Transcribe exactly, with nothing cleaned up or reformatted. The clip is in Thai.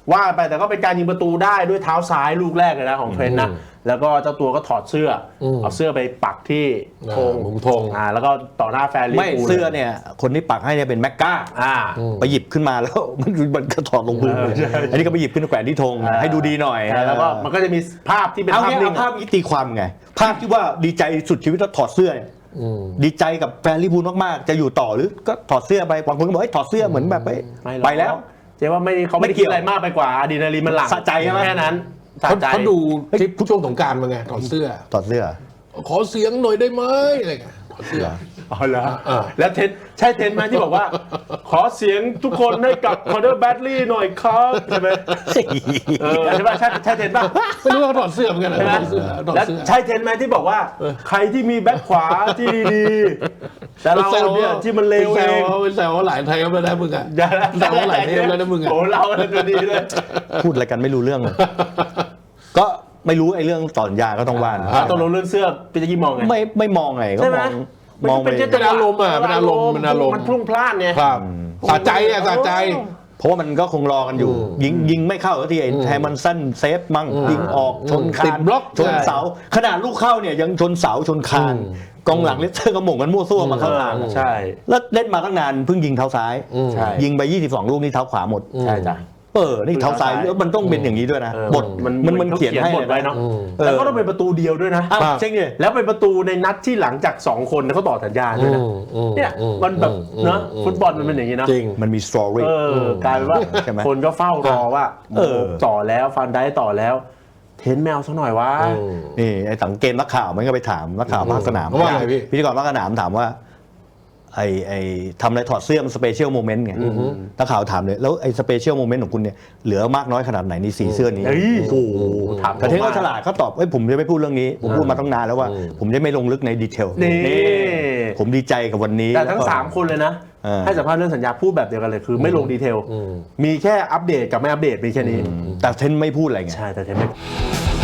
ว่าไปแต่ก็เป็นการยิงประตูได้ด้วยเท้าซ้ายลูกแรกเลยนะของเทรนต์นะแล้วก็เจ้าตัวก็ถอดเสื้อเอาเสื้อไปปักที่ธงมุมธงอ่าแล้วก็ต่อหน้าแฟนลิเวอร์พูลไม่เสื้อเนี่ยคนที่ปักให้เนี่ยเป็นแม็กก้าอ่าไปหยิบขึ้นมาแล้วมันมันก็ถอดลงพื้นอันนี้ก็ไปหยิบขึ้นแขวนที่ธงให้ดูดีหน่อยแล้วก็มันก็จะมีภาพที่เป็นเอาภาพเนี่ยนิ่งเอาภาพนี้ตีความไงภาพที่ว่าดีใจสุดชีวิตแล้วถอดเสื้อเนี่ยดีใจกับแฟนลิเวอร์พูลมากๆจะอยู่ต่อหรือก็ถอดเสื้อไปบางคนก็บอกให้ถอดเสื้อเหมือนแบบไปแล้วเจ๊ว่าไม่เขาไม่ได้คิดอะไรมากไปกว่าอะดรีนาลีนมันหลั่งสะใจใช่ไหมแค่นั้นสะใจเขาดูคลิปช่วงสงกรานต์มาไงถอดเสื้อถอดเสื้อขอเสียงหน่อยได้ไหมอะไรเงี้ยถอดเสื้ออ๋อเหรอแล้วเทนใช่เทนไหมที่บอกว่าขอเสียงทุกคนให้กับคอนเนอร์แบดลี่หน่อยครับใช่ไหมเออใช่ป่ะใช่ใช่เทนป่ะไม่รู้ว่าถอดเสื้อเหมือนกันนะถอดเสื้อถอดแล้วเสื้อใช่เทนไหมที่บอกว่าใครที่มีแบ็คขวาที่ดีๆแต่เราเนี่ยที่มันเลวเองเป็นแซวหลายเทปแล้วนะมึงอ่ะแซวหลายเทปแล้วนะมึงอ่ะโอ้เราตัวดีเลยพูดอะไรกันไม่รู้เรื่องก็ไม่รู้ไอ้เรื่องต่อสัญญาก็ต้องว่านต้องรู้เรื่องเสื้อพี่จะกี้มองไงไม่ไม่มองไงก็มองมองเป็นอารมณ์อ่ะเป็นอารมณ์เป็นอารมณ์มันพลุ่งพล่านไงครับสะใจอ่ะสะใจเพราะว่ามันก็คงรอกันอยู่ยิงยิงไม่เข้าทีไอ้แฮมันสั้นเซฟมั่งยิงออกชนคานบล็อกชนเสาขนาดลูกเข้าเนี่ยยังชนเสาชนคานกองหลังเลสเตอร์ก็หม่งกันมั่วซั่วมาเข้าทางใช่แล้วเล่นมาตั้งนานเพิ่งยิงเท้าซ้ายยิงไปยี่สิบสองลูกนี่เท้าขวาหมดใช่จ้ะเออนี่เท้าซ้ายมันต้องเป็นอย่างนี้ด้วยนะบทมันมันเขียนให้บทไว้เนาะแล้วก็ต้องเป็นประตูเดียวด้วยนะเช่นเนี่ยแล้วเป็นประตูในนัดที่หลังจากสองคนเขาต่อสัญญาด้วยนะเนี่ยมันแบบเนาะฟุตบอลมันเป็นอย่างนี้นะจริงมันมีสตอรี่กลายเป็นว่าคนก็เฝ้ารอว่าเออต่อแล้วฟันได้ต่อแล้วเทนแมวสักหน่อยวะนี่ไอ้สังเกตนักข่าวมันก็ไปถามนักข่าวภาคสนามพิธีกรภาคสนามถามว่าไอ้ไอ้ทำอะไรถอดเสื้อมันสเปเชียลโมเมนต์ไงนักข่าวถามเลยแล้วไอ้สเปเชียลโมเมนต์ของคุณเนี่ยเหลือมากน้อยขนาดไหนในสีเสื้อนี้โอ้โหถามแต่เทนเขาฉลาดเขาตอบเอ้ยผมจะไม่พูดเรื่องนี้ผมพูดมาตั้งนานแล้วว่าผมจะไม่ลงลึกในดีเทลนี่ผมดีใจกับวันนี้แต่ทั้งสามคนเลยนะให้สัมภาษณ์เรื่องสัญญาพูดแบบเดียวกันเลยคือไม่ลงดีเทลมีแค่อัปเดตกับไม่อัปเดตมีแค่นี้แต่เทนไม่พูดอะไรไงใช่แต่เทนไม่